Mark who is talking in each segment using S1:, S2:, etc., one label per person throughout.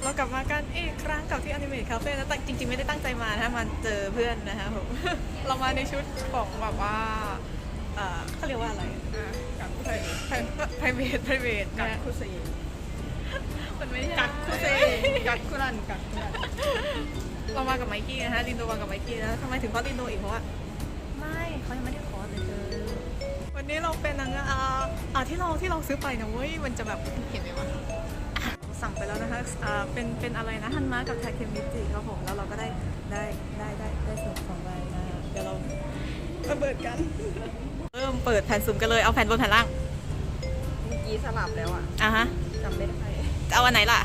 S1: เรากลับมากันอีกครั้งกับที่ Animate Cafe นะแต่จริงๆไม่ได้ตั้งใจมานะมาเจอเพื่อนนะคะผม เรามาในชุดของแบบว่าเขาเรียกว่าอะไร
S2: กักคุ
S1: ไพรเวทนะ
S2: คุซี
S1: มันไม่ใช่
S2: กักคุซีกักคุรันกักคุรัน
S1: เรามากับไมกี้นะคะลินโดมากับไมกี้นะทำไมถึงเพราะลินโดอีกเพราะว่าไม่เขายังไม่ได้ขอแต่เจอวันนี้เราเป็นนางที่เราซื้อไปนะเว้ยมันจะแบบเห็นไหมวะสั่งไปแล้วนะคะเป็นอะไรนะฮันมากับไทเคมิจิครับผมแล้วเราก็ได้ส่วนของใบนะเดี๋ยวเราเปิดกันเริ่มเปิดแผ่นสุ่มกันเลยเอาแผ่นบนแผ่นล่าง
S2: เมื่อกี้สลับแล้วอ่ะ
S1: ฮะ
S2: จำไม่ได้
S1: จะเอาอันไหนล่ะ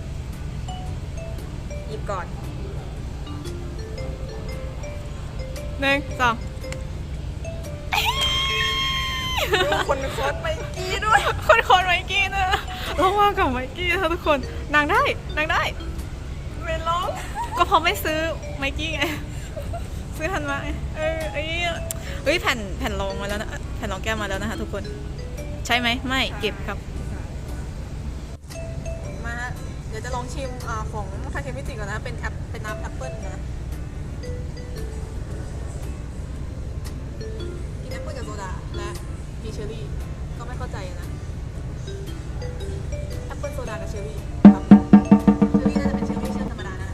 S2: หยิบก่อน
S1: 1 2
S2: คนโคตรไมกี้ด้วย
S1: คนไมกี้นะเรามากับไมกี้นะทุกคนนางได้
S2: ไม่ร้อง
S1: ก็เพราะไม่ซื้อไมกี้ไงซื้อทันมาเฮ้ยแผ่นรองมาแล้วนะแผ่นรองแก้มมาแล้วนะคะทุกคนใช่ไหมไม่เก็บครับมาเดี๋ยวจะลองชิมของทาเคมิจิก่อนนะเป็นน้ำแอปเปิ้ลนะกินแอปเปิ้ลกับโซดาและมีเชอร์รี่ก็ไม่เข้าใจนะแอปเปิ้ลโซดากับเชอร์รี่ครับเชอร์รี่น่าจะเป็นเชอร์รี่เชื่อมธรรมดานะ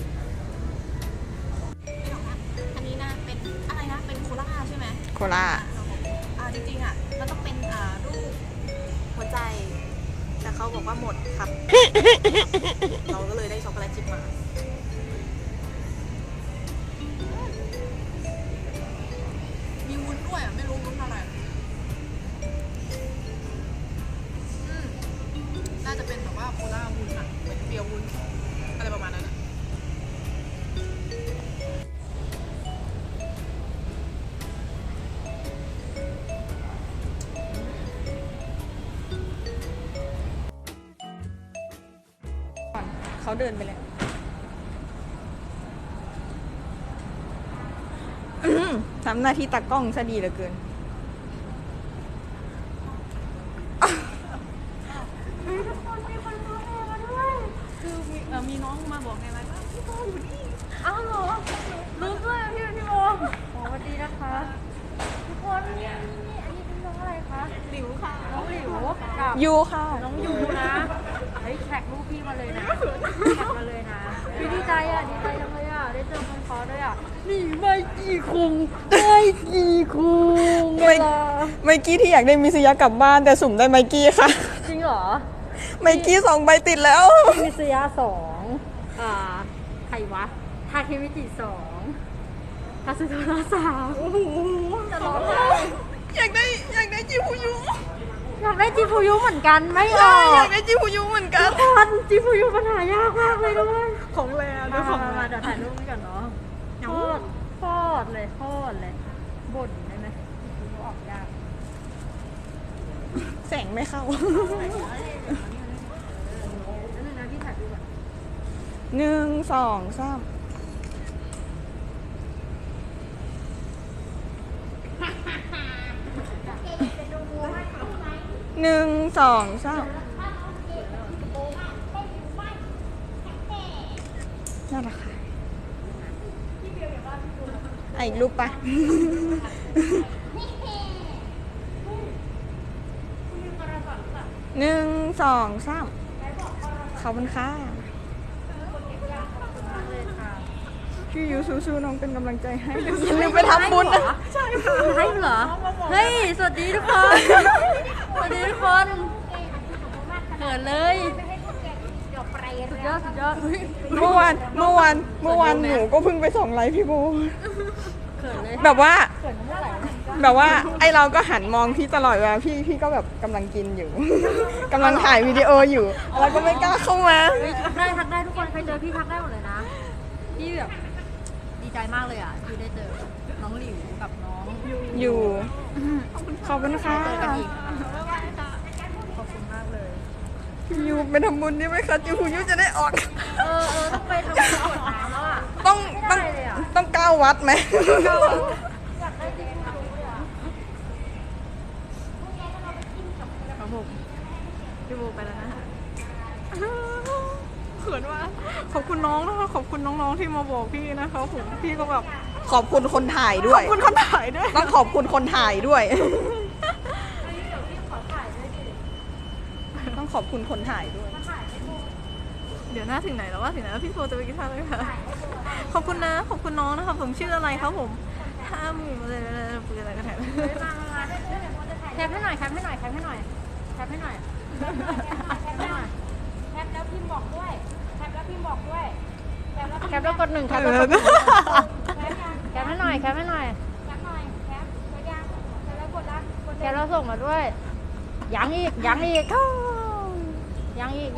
S1: ไม่หรอกนะอันนี้นะเป็นอะไรนะเป็นโคลาใช่ไหม
S2: โคลา
S1: จริงๆมันต้องเป็นรูปหัวใจแต่เขาบอกว่าหมดครับ เราก็เลยได้ช็อกโกแลตชิพมามีวุ้นด้วยไม่รู้วุ้นอะไรน่าจะเป็นแบบว่าโคลาวุ้นเหมือนเบียร์วุ้นอะไรประมาณนั้น
S2: เขาเดินไปแล้วทำหน้าที่ตากล้องซะดีเหลือเกิน
S1: คือมีน้องมาบอกไงว่าพี่โบอยู่นี่
S3: อ้าวเหรอรู้ด้วยพี่โมสวัสดีนะคะทุกคนนี่อันนี้เป็นน้องอะไรคะ
S1: หลิวค่ะ
S3: น้องหลิวกับ
S2: ยูค่ะ
S3: น้องยูนะเฮ้ยแท็กรูปพี่มาเลยนะแท็กมาเลยนะพี่ดีใจดีใจจังเลยได้เจอคนคอด้วยนี่ไม่กี่คุงไม่กี่คุง
S2: ไมกี้ที่อยากได้มิสยากลับบ้านแต่สุ่มได้ไมกี้ค่ะ
S3: จริงเหรอ
S2: ไมกี้2 ใบติดแล้ว
S3: มิสยา2ใครวะทาเคมิจิ2คาสึโทระ3โอ้โหจะร้องไห้
S2: อยากได้จิฟูยุ
S3: อยากได้จิฟูยุเหมือนกันไม่ออก
S2: อยากได้จิฟูยุเหมือนกัน
S3: ทุกคนจิฟูยุปัญหายากมากเลยด้วย
S1: ของแรด้วยของ
S3: มาเดี๋ยวถ่ายรูปกันเนาะโคตรเลยบ่นได้ไหมจิฟูยุออกยาก
S2: แสงไม่เข้า
S3: แล้วนึงนะพี่ถ่ายรูปก่อน
S2: 1 2 3 1 2 3นั่นแหละค่ะอีกรูปปะ 1 2 3ขอบคุณค่ะพี่ยูสู้ๆน้องเป็นกำลังใจให้อย่าลืมไปทำบุญนะ
S3: ใช่ค่ะให้เหรอเฮ้ยสวัสดีทุกคนสวัสดีทุกคนเกิดเลยสุดยอด
S2: เมื่อวานหนูก็เพิ่งไป2 ไลฟ์พี่โบ
S3: เกิดเลย
S2: แบบว่า
S3: เกิดเมื่อไหร่
S2: แบบว่าไอเราก็หันมองพี่ตลอดเวลาพี่ก็แบบกำลังกินอยู่ กำลังถ่ายวิดีโออยู่แล้วก็ไม่กล้าเข้ามา
S3: ทักได้ทุกคนใครเจอพี่ทักได้หมดเลยนะพี่แบบดีใจมากเลยที่ได้เจอน้องหลิวกับน้อง
S2: อยู่ขอบคุณค่ะ
S3: เจอกันอีกขอบคุณมากเลย
S2: พี่ยูไปทำบุญได้ไหมคะจิวยูจะได้ออก
S3: ต้องไปทำบุญกรวดน้ำแล้วอ่ะ
S2: ต้อง9 วัดไหม
S3: อยากได้ดิฟูยุอ่ะ
S1: ครับผมพี่โบไปแล้วนะเขินขินมากขอบคุณน้องนะคะขอบคุณน้องๆที่มาบอกพี่นะคะผมพี่ก็แบบ
S2: ขอบคุณคนถ่ายด้
S1: ข
S2: ว
S1: อย บคุณคนถ่ายด้วย
S2: ต้องขอบคุณคนถ่ายด้วย ต้องขอบคุณคนถ่ายด้วย
S1: เดี๋ยวหน้าถึงไหนแล้วว่าถึงไหนแล้วพี่โฟจะไปกินข้าวเลยค่ะขอบคุณนะขอบคุณน้องนะคะผมชื่ออะไรครับผม50,000อะไรปืนอะไรกันแทน
S3: แคปให้หน่อยแคปให้หน่อยแคปให้หน่อยแคปให้หน่อยแคปให้หน่อยแคปแล้วพิมพ์บอกด้วยแคปแล้วพิมพ์บอกด้วยแคปแล้วกด1แคปแล้วกด1แคปให้หน่อยแคปให้หน่อยแคปหน่อยแคปกดยังแคปแล้วกดละแคปแล้วส่งมาด้วยยังอีกยังอีกยังอีก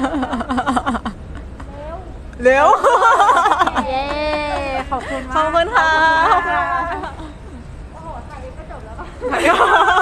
S3: เร็ว เย้ขอบคุณมาก
S1: ขอบคุณค่ะ
S3: โอ้โหถ่ายก็จบแล้ว
S1: ถ่าย